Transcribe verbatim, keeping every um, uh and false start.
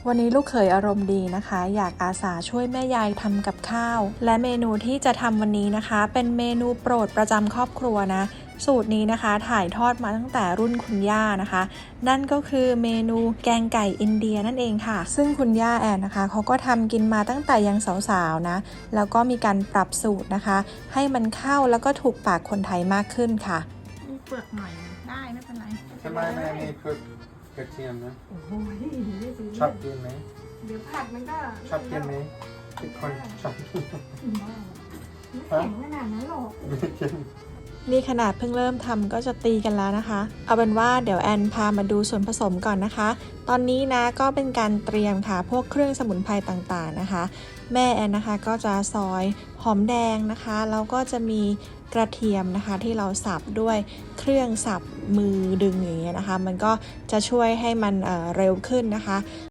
วันนี้ลูกเขยอารมณ์ดีนะคะอยากอาสาช่วยแม่ยายทำกับข้าวและเมนูที่จะทำวันนี้นะคะเป็นเมนูโปรดประจำครอบครัวนะสูตรนี้นะคะถ่ายทอดมาตั้งแต่รุ่นคุณย่านะคะนั่นก็คือเมนูแกงไก่อินเดียนั่นเองค่ะซึ่งคุณย่าแอนนะคะเขาก็ทำกินมาตั้งแต่ยังสาวๆนะแล้วก็มีการปรับสูตรนะคะให้มันเข้าแล้วก็ถูกปากคนไทยมากขึ้นค่ะมีเปลือกหน่อยได้ไม่เป็นไรทำไมแม่มีเปลือกกระเทียมนะโอ้โหชอบกินไหมเดี๋ยวผัดมันก็ชอบกินไหมทุกคนชอบกินไม่แข็งขนาดนั้นหรอกไม่กินนี่ขนาดเพิ่งเริ่มทำก็จะตีกันแล้วนะคะเอาเป็นว่าเดี๋ยวแอนพามาดูส่วนผสมก่อนนะคะตอนนี้นะก็เป็นการเตรียมค่ะพวกเครื่องสมุนไพรต่างๆนะคะแม่แอนนะคะก็จะซอยหอมแดงนะคะแล้วก็จะมีกระเทียมนะคะที่เราสับด้วยเครื่องสับมือดึงอย่างเงี้ยนะคะมันก็จะช่วยให้มัน เอ่อ เร็วขึ้นนะคะ